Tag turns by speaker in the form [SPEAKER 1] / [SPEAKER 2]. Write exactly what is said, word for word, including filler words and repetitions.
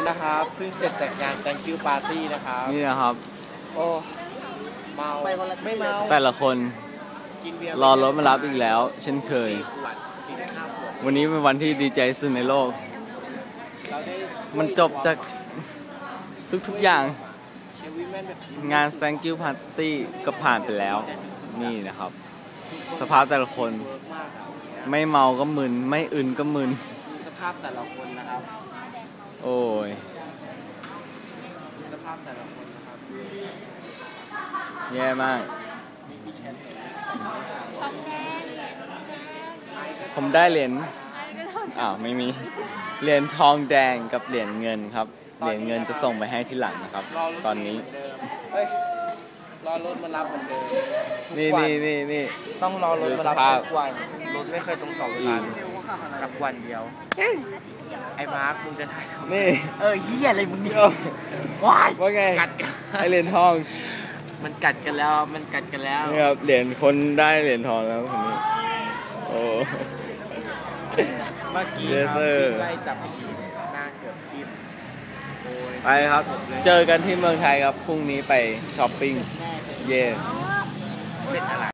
[SPEAKER 1] นะครับเพิ่งเสร็จจากงาน thank you party นะครับ
[SPEAKER 2] นี่นะครับ
[SPEAKER 1] โอ้เมาไม่เมา
[SPEAKER 2] แต่ละคน
[SPEAKER 1] กินเบียร์
[SPEAKER 2] รอรถมารับอีกแล้ว เช่นเคย
[SPEAKER 1] สี่ขวดสี่ห้าขวด
[SPEAKER 2] วันนี้เป็นวันที่ดีใจสุดในโลก
[SPEAKER 1] เราได้
[SPEAKER 2] มันจบจากทุกๆอย่าง
[SPEAKER 1] เชฟวิแมนแบบ
[SPEAKER 2] งาน thank you party ก็ผ่านไปแล้ว นี่นะครับ สภาพแต่ละคน
[SPEAKER 1] เวิร์กมากครับ
[SPEAKER 2] ไม่เมาก็มึน ไม่อึนก็มึน
[SPEAKER 1] ดูสภาพแต่ละคนนะครับ
[SPEAKER 2] โอ้ย
[SPEAKER 1] ดูสภาพแต่ละคนนะครับ
[SPEAKER 2] แย่มาก ผมได้เหรียญอ้าว ไม่มี เหรียญทองแดงกับเหรียญเงินครับ เหรียญเงินจะส่งไปให้ที่หลังนะครับ ตอนนี้
[SPEAKER 1] เฮ้ยรอรถมารับเหมือนเดิม
[SPEAKER 2] นี่นี่นี่นี่
[SPEAKER 1] ต้องรอรถมารับ
[SPEAKER 2] ดูสภาพ
[SPEAKER 1] ทุกวันรถไม่เคยตรงต่อเวลาสักวันเดียวไอ้มาร์คมึงจะถ่ายทำไม
[SPEAKER 2] นี่
[SPEAKER 1] เออเฮียอะไรมึงเนี่ยว้าย
[SPEAKER 2] ว่าไง
[SPEAKER 1] กัดกัน
[SPEAKER 2] ไอเหรียญทอง
[SPEAKER 1] มันกัดกันแล้วมันกัดกันแล้ว
[SPEAKER 2] นี่ครับ เหรียญคนได้เหรียญทองแล้วคนนี้ โอ้
[SPEAKER 1] เมื่อกี้
[SPEAKER 2] เย
[SPEAKER 1] ค
[SPEAKER 2] ส
[SPEAKER 1] รับ
[SPEAKER 2] เซอร์
[SPEAKER 1] วิ่งไล่จับผีหน้าเกือบทิ่มโอ้ย
[SPEAKER 2] ไปครับ เจอกันที่เมืองไทยครับ พรุ่งนี้ไปช้อปปิ้ง เย่
[SPEAKER 1] เสร็จอะไร